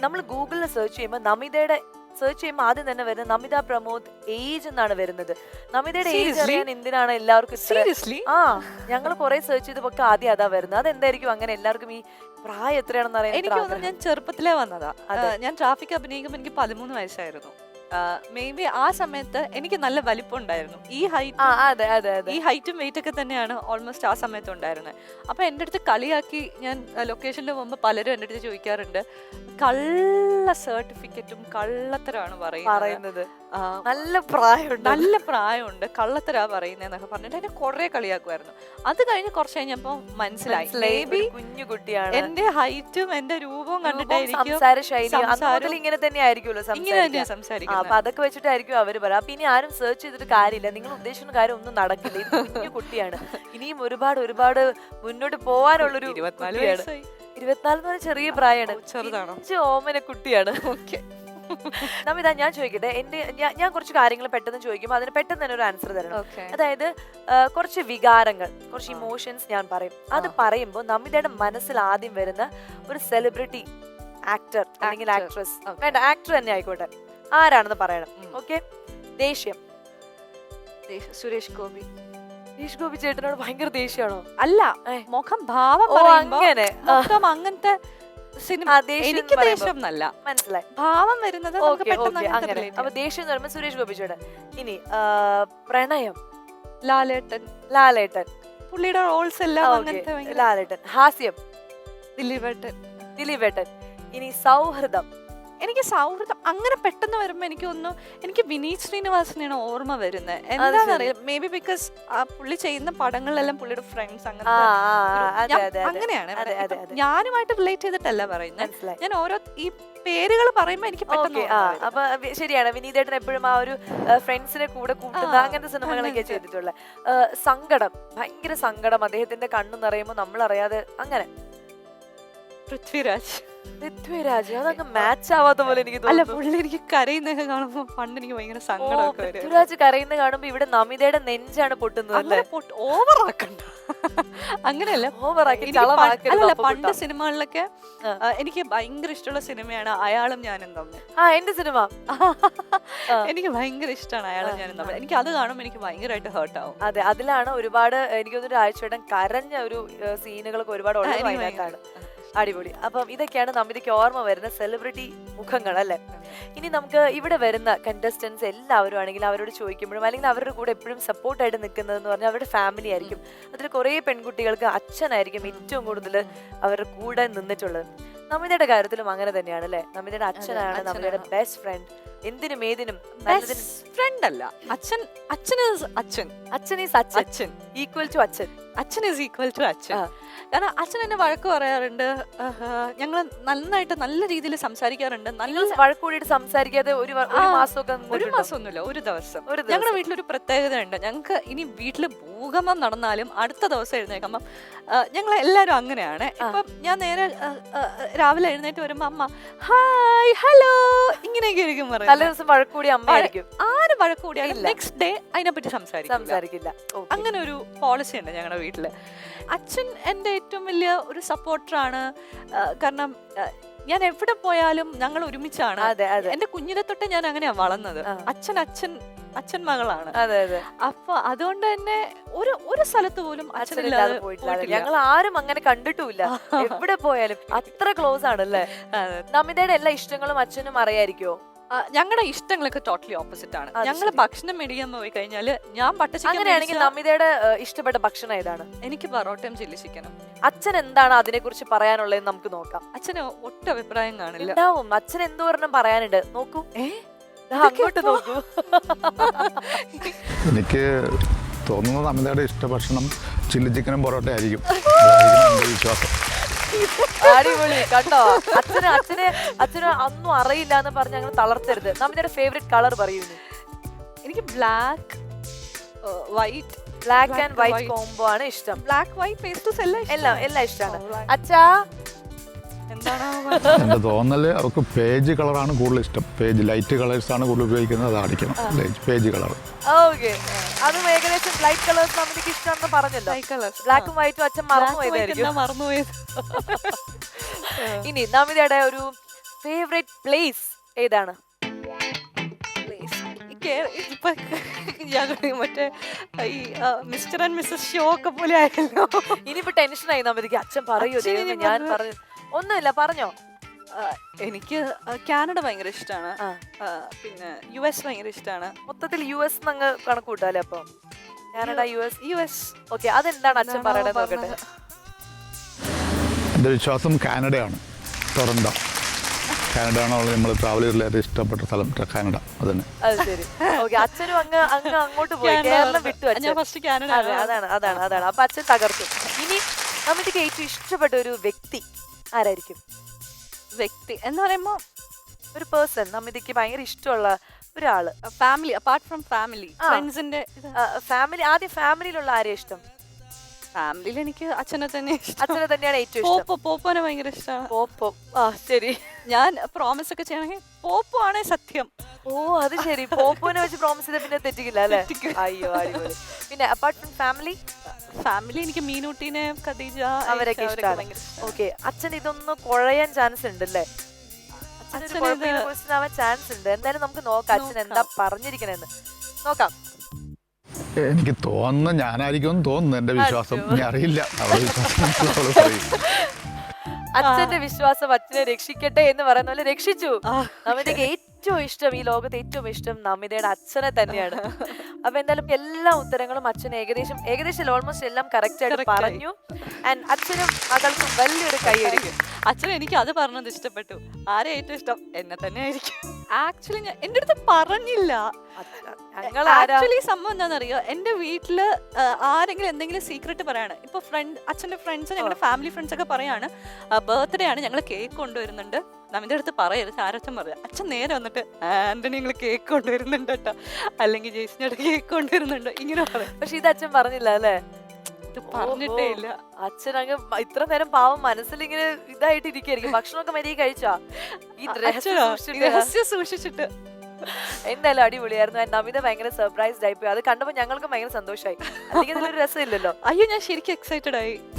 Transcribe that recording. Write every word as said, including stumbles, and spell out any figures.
നമ്മൾ ഗൂഗിളിൽ സെർച്ച് ചെയ്യുമ്പോൾ നമിതയുടെ സെർച്ച് ചെയ്യുമ്പോൾ ആദ്യം തന്നെ വരുന്നത് നമിത പ്രമോദ് ഏജ് എന്നാണ് വരുന്നത്. നമിതയുടെ ഏജ് അറിയാൻ എന്തിനാണ് എല്ലാവർക്കും ഇത്ര? ആ ഞങ്ങൾ കുറെ സെർച്ച് ചെയ്തപ്പോ ആദ്യം അതാ വരുന്നത്. അതെന്തായിരിക്കും അങ്ങനെ എല്ലാവർക്കും ഈ പ്രായം എത്രയാണെന്ന് അറിയാൻ? എനിക്ക് തോന്നുന്നു ഞാൻ ചെറുപ്പത്തിലേ വന്നതാ. ഞാൻ ട്രാഫിക് അഭിനയിക്കുമ്പോൾ എനിക്ക് പതിമൂന്ന് വയസ്സായിരുന്നു. മേ ബി ആ സമയത്ത് എനിക്ക് നല്ല വലിപ്പം ഉണ്ടായിരുന്നു. ഈ ഹൈറ്റ് ഈ ഹൈറ്റും വെയിറ്റ് ഒക്കെ തന്നെയാണ് ഓൾമോസ്റ്റ് ആ സമയത്ത് ഉണ്ടായിരുന്നത്. അപ്പൊ എൻ്റെ അടുത്ത് കളിയാക്കി ഞാൻ ലൊക്കേഷനിൽ പോകുമ്പോൾ പലരും എൻ്റെ അടുത്ത് ചോദിക്കാറുണ്ട്, കള്ള സർട്ടിഫിക്കറ്റും കള്ളത്തരാണ് പറയുന്നത്, നല്ല പ്രായമുണ്ട് നല്ല പ്രായമുണ്ട് കള്ളത്തരാ പറയുന്നതെന്നൊക്കെ പറഞ്ഞിട്ട് എന്നെ കുറെ കളിയാക്കുമായിരുന്നു. അത് കഴിഞ്ഞ് കുറച്ച് കഴിഞ്ഞപ്പോ മനസ്സിലായി മേ ബി കുഞ്ഞു കുട്ടിയാണ്, എന്റെ ഹൈറ്റും എന്റെ രൂപവും കണ്ടിട്ടായിരിക്കും ഇങ്ങനെ തന്നെ ആയിരിക്കുമല്ലോ സംസാരിക്കുന്നത്. അപ്പൊ അതൊക്കെ വെച്ചിട്ടായിരിക്കും അവര് പറയാം. അപ്പൊ ഇനി ആരും സെർച്ച് ചെയ്തിട്ട് കാര്യമില്ല, നിങ്ങൾ ഉദ്ദേശിക്കുന്ന കാര്യം ഒന്നും നടക്കില്ല. ഇത് കുഞ്ഞു കുട്ടിയാണ്, ഇനിയും ഒരുപാട് ഒരുപാട് മുന്നോട്ട് പോവാനുള്ളൊരു കുട്ടിയാണ്. ഇരുപത്തിനാല് എന്ന് പറഞ്ഞാൽ ചെറിയ പ്രായമാണ്, ചെറുതാണോ? ഓമന കുട്ടിയാണ്. ഓക്കെ നമിത, ഞാൻ ചോദിക്കട്ടെ, എന്റെ ഞാൻ കുറച്ച് കാര്യങ്ങൾ പെട്ടെന്ന് ചോദിക്കുമ്പോൾ അതിന് പെട്ടെന്ന് തന്നെ ഒരു ആൻസർ തരണം. അതായത് കുറച്ച് വികാരങ്ങൾ, കുറച്ച് ഇമോഷൻസ് ഞാൻ പറയും. അത് പറയുമ്പോൾ നമിതയുടെ മനസ്സിൽ ആദ്യം വരുന്ന ഒരു സെലിബ്രിറ്റി, ആക്ടർ അല്ലെങ്കിൽ ആക്ട്രസ്, വേണ്ട ആക്ടർ തന്നെ ആയിക്കോട്ടെ, ആരാണെന്ന് പറയണം. ഓക്കെ. ദേഷ്യം, സുരേഷ് ഗോപി. സുരേഷ് ഗോപി ചേട്ടനോട് ഭയങ്കര ദേഷ്യമാണോ? അല്ല, മുഖം ഭാവം അങ്ങനെ അങ്ങനത്തെ എനിക്ക് ദേഷ്യം എന്നല്ല, മനസ്സിലായി, ഭാവം വരുന്നത്. അപ്പൊ ദേഷ്യം എന്ന് പറയുമ്പോൾ സുരേഷ് ഗോപി ചേട്ടൻ. ഇനി പ്രണയം, ലാലേട്ടൻ. ലാലേട്ടൻ പുള്ളിയുടെ റോൾസ് എല്ലാം ലാലേട്ടൻ. ഹാസ്യം, ദിലീപേട്ടൻ. ദിലീപേട്ടൻ. ഇനി സൗഹൃദം, എനിക്ക് സൗഹൃദം അങ്ങനെ പെട്ടെന്ന് വരുമ്പോ എനിക്ക് ഒന്നും എനിക്ക് വിനീത് ശ്രീനിവാസനെയാണ് ഓർമ്മ വരുന്നത്. എന്താണെന്നറിയാം, മേ ബി ബിക്കോസ് ആ പുള്ളി ചെയ്യുന്ന പടങ്ങളിലെല്ലാം പുള്ളിയുടെ ഫ്രണ്ട്സ് അങ്ങനത്തെ അങ്ങനെയാണ്. ഞാനുമായിട്ട് റിലേറ്റ് ചെയ്തിട്ടല്ല പറയുന്നത്, ഞാൻ ഓരോ ഈ പേരുകൾ പറയുമ്പോ എനിക്ക് പെട്ടെന്ന്. അപ്പൊ ശരിയാണ്, വിനീതേട്ടൻ എപ്പോഴും ആ ഒരു ഫ്രണ്ട്സിനെ കൂടെ കൂട്ടുന്ന അങ്ങനത്തെ സിനിമകളൊക്കെ ചെയ്തിട്ടുള്ള. സങ്കടം, ഭയങ്കര സങ്കടം, അദ്ദേഹത്തിന്റെ കണ്ണു നിറയുമ്പോ നമ്മൾ അറിയാതെ അങ്ങനെ. പൃഥ്വിരാജ്. പൃഥ്വിരാജ് അതൊക്കെ മാച്ച് ആവാത്ത പോലെ എനിക്ക് തോന്നുന്നു. അല്ല, പുള്ളി എനിക്ക് കരയുന്നതൊക്കെ കാണുമ്പോ പണ്ട് എനിക്ക് ഭയങ്കര സങ്കടമൊക്കെ വരും. പൃഥ്വിരാജ് കരയുന്ന കാണുമ്പോ ഇവിടെ നമിതയുടെ നെഞ്ചാണ് പൊട്ടുന്നത്. ഓവറാക്കണ്ട, അങ്ങനെയല്ല, ഓവറാക്കി. അല്ല, പണ്ട് സിനിമകളിലൊക്കെ എനിക്ക് ഭയങ്കര ഇഷ്ടമുള്ള സിനിമയാണ് അയാളും ഞാനും തമ്മിൽ. ആ എന്റെ സിനിമ എനിക്ക് ഭയങ്കര ഇഷ്ടമാണ് അയാളും ഞാനും തമ്മിൽ. എനിക്ക് അത് കാണുമ്പോൾ എനിക്ക് ഭയങ്കരമായിട്ട് ഹേർട്ട് ആവും. അതെ, അതിലാണ് ഒരുപാട് എനിക്ക് തോന്നുന്നു ആഴ്ചവട്ടം കരഞ്ഞ ഒരു സീനുകളൊക്കെ ഒരുപാട് ഉള്ളതാണ്. അടിപൊളി. അപ്പം ഇതൊക്കെയാണ് നമിതയ്ക്ക് ഓർമ്മ വരുന്ന സെലിബ്രിറ്റി മുഖങ്ങൾ അല്ലെ. ഇനി നമുക്ക് ഇവിടെ വരുന്ന കണ്ടസ്റ്റൻസ് എല്ലാവരും ആണെങ്കിൽ അവരോട് ചോദിക്കുമ്പോഴും അല്ലെങ്കിൽ അവരുടെ കൂടെ എപ്പോഴും സപ്പോർട്ടായിട്ട് നിൽക്കുന്നതെന്ന് പറഞ്ഞാൽ അവരുടെ ഫാമിലി ആയിരിക്കും. അതിൽ കുറേ പെൺകുട്ടികൾക്ക് അച്ഛനായിരിക്കും ഏറ്റവും കൂടുതൽ അവരുടെ കൂടെ നിന്നിട്ടുള്ളത്. നമിതയുടെ കാര്യത്തിലും അങ്ങനെ തന്നെയാണ് അല്ലെ. നമിതയുടെ അച്ഛനാണ് നമിതയുടെ ബെസ്റ്റ് ഫ്രണ്ട്. എന്തിനും ഏതിനും ഫ്രണ്ട് അല്ല, അച്ഛൻ. അച്ഛൻ അച്ഛൻ അച്ഛൻ ഈസ് അച്ഛൻ, ഈക്വൽ ടു അച്ഛൻ. അച്ഛൻ ഈസ് ഈക്വൽ ടു അച്ഛൻ. കാരണം അച്ഛൻ എന്നെ വഴക്ക് പറയാറുണ്ട്, ഞങ്ങൾ നന്നായിട്ട് നല്ല രീതിയിൽ സംസാരിക്കാറുണ്ട്. നല്ല വഴക്ക് കൂടിയിട്ട് സംസാരിക്കാതെ ഒരു മാസമൊക്കെ ഒരു മാസമൊന്നുമില്ല, ഒരു ദിവസം. ഞങ്ങളുടെ വീട്ടിലൊരു പ്രത്യേകത ഉണ്ട്, ഞങ്ങൾക്ക് ഇനി വീട്ടിൽ ഭൂകമ്പം നടന്നാലും അടുത്ത ദിവസം എഴുന്നേക്കുമ്പം ഞങ്ങൾ എല്ലാവരും അങ്ങനെയാണ്. ഇപ്പം ഞാൻ നേരെ രാവിലെ എഴുന്നേറ്റ് വരുമ്പോ അമ്മ ഹായ് ഹലോ ഇങ്ങനെയൊക്കെ ആയിരിക്കും പറയുന്നത്. തലേ ദിവസം വഴക്കൂടി അമ്മയായിരിക്കും. ആര് വഴക്കൂടിയാലും നെക്സ്റ്റ് ഡേ അതിനെപ്പറ്റി സംസാരിക്കില്ല. അങ്ങനെ ഒരു പോളിസി ഉണ്ട് ഞങ്ങളുടെ വീട്ടില്. അച്ഛൻ എൻ്റെ ഏറ്റവും വലിയ ഒരു സപ്പോർട്ടറാണ്. കാരണം ഞാൻ എവിടെ പോയാലും ഞങ്ങൾ ഒരുമിച്ചാണ്. എന്റെ കുഞ്ഞിനെ തൊട്ട് ഞാൻ അങ്ങനെയാ വളർന്നത്. അച്ഛൻ അച്ഛൻ അച്ഛൻ മകളാണ്. അപ്പൊ അതുകൊണ്ട് തന്നെ ഒരു ഒരു സ്ഥലത്ത് പോലും അച്ഛനില്ലാതെ പോയിട്ടില്ല. ഞങ്ങൾ ആരും അങ്ങനെ കണ്ടിട്ടുമില്ല. എവിടെ പോയാലും അത്ര ക്ലോസ് ആണല്ലേ. നമിതയുടെ എല്ലാ ഇഷ്ടങ്ങളും അച്ഛനും അറിയായിരിക്കോ? ഞങ്ങളുടെ ഇഷ്ടങ്ങളൊക്കെ ടോട്ടലി ഓപ്പോസിറ്റ് ആണ്. ഞങ്ങൾ ഭക്ഷണം മേടിക്കാൻ പോയി കഴിഞ്ഞാല് ഞാൻ പട്ടച്ചിക്കൻ. അങ്ങനെയാണെങ്കിൽ നമിതയുടെ ഇഷ്ടപ്പെട്ട ഭക്ഷണം ഏതാണ്? എനിക്ക് പൊറോട്ടയും ചില്ലി ചിക്കനും. അച്ഛൻ എന്താണ് അതിനെ കുറിച്ച് പറയാനുള്ളത് നമുക്ക് നോക്കാം. അച്ഛന് ഒട്ടും അഭിപ്രായം കാണില്ല. ഉണ്ടാവും, അച്ഛൻ എന്തോ ഒരെണ്ണം പറയാനുണ്ട്. നോക്കൂ, അങ്ങോട്ട് നോക്കൂ. എനിക്ക് തോന്നുന്നത് നമിതയുടെ ഇഷ്ട ഭക്ഷണം ചില്ലി ചിക്കനും പൊറോട്ട ആയിരിക്കും, വിശ്വാസം. അടിപൊളി, കണ്ടോ? അച്ഛന് അച്ഛന് അച്ഛന് ഒന്നും അറിയില്ല എന്ന് പറഞ്ഞ് ഞങ്ങൾ തളർത്തരുത്. നമിതയുടെ ഫേവറേറ്റ് കളർ പറയുന്നു. എനിക്ക് black white black and white combo ആണ് ഇഷ്ടം. ബ്ലാക്ക് വൈറ്റ് പേസ്റ്റൽസ് എല്ലാം എല്ലാം എല്ലാം ഇഷ്ടമാണ്. അച്ഛാ എന്റെ തോന്നല് അവർക്ക് പേജ് കളറാണ് കൂടുതൽ ഇഷ്ടം. പേജ് ലൈറ്റ് കളേഴ്സ് ആണ് കൂടുതൽ ഉപയോഗിക്കുന്നത്, അത് അടിക്കണം പേജ് കളർ. ഓക്കെ, അതും ഏകദേശം ലൈറ്റ് കളേഴ്സ് നമുക്ക് ഇഷ്ടമാണെന്ന് പറഞ്ഞല്ലോ. ബ്ലാക്കും വൈറ്റും അച്ഛൻ മറന്നുപോയതായിരിക്കും. മറന്നുപോയത്. ഇനി നമിതയുടെ ഒരു ഫേവറേറ്റ് പ്ലേസ് ഏതാണ്? ഇപ്പൊ ഞങ്ങൾ മറ്റേ ഈ മിസ്റ്റർ ആൻഡ് മിസ്സസ് ഷോ ഒക്കെ പോലെ ആയല്ലോ. ഇനിയിപ്പോ ടെൻഷനായി നമ്മൾക്ക്. അച്ഛൻ പറയൂ അച്ഛൻ ദൈവമേ, ഇനി ഞാൻ പറഞ്ഞ് പറഞ്ഞു ഒന്നുമില്ല, പറഞ്ഞോ. ആ, എനിക്ക് കാനഡ ഭയങ്കര ഇഷ്ടമാണ്. ആ. പിന്നെ യു എസ് ഭയങ്കര ഇഷ്ടമാണ്. മൊത്തത്തിൽ യു എസ് അങ്ങ് കണക്ക് കൂട്ടാല്ലേ? അപ്പൊ Canada, U S. U S okay, അതെന്താണ് അച്ഛൻ പറയണത് നോക്കട്ടെ. എൻ്റെ വിശ്വാസം കാനഡയാണ്, ടൊറന്റോ. കാനഡ ആണ് നമ്മൾ ട്രാവൽ ചെയ്തതിൽ ഏറ്റവും ഇഷ്ടപ്പെട്ട സ്ഥലം കാനഡ. അതന്നെ. അത് ശരി. ഓക്കെ, അച്ഛനും അങ്ങ് അങ്ങ് അങ്ങോട്ട് പോയി, കേരളം വിട്ടു അച്ഛൻ. ഞാൻ ഫസ്റ്റ് കാനഡ. അതെ, അതാണ് അതാണ് അതാണ് അപ്പൊ അച്ഛൻ തകർത്തു. ഇനി നമുക്ക് ഏറ്റവും ഇഷ്ടപ്പെട്ട ഒരു വ്യക്തി ആരായിരിക്കും? വ്യക്തി എന്ന് പറയുമ്പോ ഒരു പേഴ്സൺ, നമ്മിതിക്ക് ഭയങ്കര ഇഷ്ടമുള്ള ഒരാള്. ഫാമിലി, അപ്പാർട്ട് ഫ്രം ഫാമിലി, ആ. ഫ്രണ്ട്സിന്റെ ഫാമിലി. ആദ്യം ഫാമിലിയിലുള്ള ആരെയും ഇഷ്ടം? ഫാമിലിയിൽ എനിക്ക് അച്ഛനെ തന്നെ ഇഷ്ടം. അച്ഛനെ തന്നെയാണ് ഏറ്റവും ഇഷ്ടം. പോപ്പോ പോപ്പോനെ ഭയങ്കര ഇഷ്ടമാണ്. പോപ്പോ. ആ ശരി. ഞാൻ പ്രോമിസ് ഒക്കെ ചെയ്യണമെങ്കിൽ പോപ്പോ ആണ് സത്യം. ഓ അത് ശരി. പോപ്പോനെ വെച്ച് പ്രോമിസ് ചെയ്ത പിന്നെ തെറ്റിക്കില്ല അല്ലേ? അയ്യോ അടിപൊളി. പിന്നെ അപ്പാർട്ട് ഫ്രം ഫാമിലി? ഫാമിലി എനിക്ക് മീനൂട്ടിനെ, ഖദീജ, അവരൊക്കെ ഇഷ്ടമാണ്. ഓക്കെ, അച്ഛൻ ഇതൊന്ന് കുഴയാൻ ചാൻസ് ഉണ്ട് അല്ലേ? ആവാൻ ചാൻസ് ഉണ്ട്. എന്തായാലും നമുക്ക് നോക്കാം അച്ഛൻ എന്താ പറഞ്ഞിരിക്കണെന്ന് നോക്കാം. എനിക്ക് തോന്നുന്നു ഞാനായിരിക്കും തോന്നുന്നു, എൻ്റെ വിശ്വാസം. ഞാൻ അറിയില്ല, അവളെ വിശ്വാസം അവള് പറയും. അച്ഛന്റെ വിശ്വാസം അച്ഛനെ രക്ഷിക്കട്ടെ എന്ന് പറയുന്ന പോലെ രക്ഷിച്ചു. നമിതയ്ക്ക് ഏറ്റവും ഇഷ്ടം, ഈ ലോകത്ത് ഏറ്റവും ഇഷ്ടം നമിതയുടെ അച്ഛനെ തന്നെയാണ്. അപ്പൊ എന്തായാലും എല്ലാ ഉത്തരങ്ങളും അച്ഛൻ ഏകദേശം ഏകദേശം ഓൾമോസ്റ്റ് എല്ലാം കറക്റ്റ് ആയിട്ട് പറഞ്ഞു. ആൻഡ് അച്ഛനും മകൾക്കും വലിയൊരു കൈയടിക്കും. അച്ഛൻ എനിക്ക് അത് പറഞ്ഞത് ഇഷ്ടപ്പെട്ടു. ആരെ ഏറ്റവും ഇഷ്ടം? എന്നെ തന്നെ ആയിരിക്കും. ആക്ച്വലി ഞാൻ എന്റെ അടുത്ത് പറഞ്ഞില്ല. ആക്ച്വലി സംഭവം എന്താണെന്നറിയോ, എന്റെ വീട്ടില് ആരെങ്കിലും എന്തെങ്കിലും സീക്രട്ട് പറയാണ്, ഇപ്പൊ ഫ്രണ്ട് അച്ഛന്റെ ഫ്രണ്ട്സ്, ഞങ്ങളുടെ ഫാമിലി ഫ്രണ്ട്സ് ഒക്കെ പറയാണ് ബർത്ത്ഡേ ആണ്, ഞങ്ങൾ കേക്ക് കൊണ്ടുവരുന്നുണ്ട്, നമ്മുടെ അടുത്ത് പറയരുത്. ആരച്ഛൻ പറയാം, അച്ഛൻ നേരെ വന്നിട്ട് ആന്റണി ഞങ്ങൾ കേക്ക് കൊണ്ടുവരുന്നുണ്ട് കേട്ടോ, അല്ലെങ്കിൽ ജേസിനോട് കേക്ക് കൊണ്ടുവരുന്നുണ്ട്, ഇങ്ങനെ പറയാം. പക്ഷെ ഇത് അച്ഛൻ പറഞ്ഞില്ല അല്ലേ? പറഞ്ഞിട്ടേ ഇല്ല. അച്ഛൻ അങ്ങ് ഇത്ര നേരം പാവം മനസ്സിൽ ഇങ്ങനെ ഇതായിട്ട് ഇരിക്കും. ഭക്ഷണമൊക്കെ മര്യാദ കഴിച്ചാ? ഈ രഹസ്യം സൂക്ഷിച്ചിട്ട്. എന്തായാലും അടിപൊളിയായിരുന്നു. നമിത ഭയങ്കര സർപ്രൈസ്ഡ് ആയിപ്പോയി. അത് കണ്ടപ്പോ ഞങ്ങൾക്ക് ഭയങ്കര സന്തോഷമായി. അല്ലെങ്കിൽ ഇതിലൊരു രസമില്ലല്ലോ. അയ്യോ, ഞാൻ ശരിക്കും എക്സൈറ്റഡ് ആയി.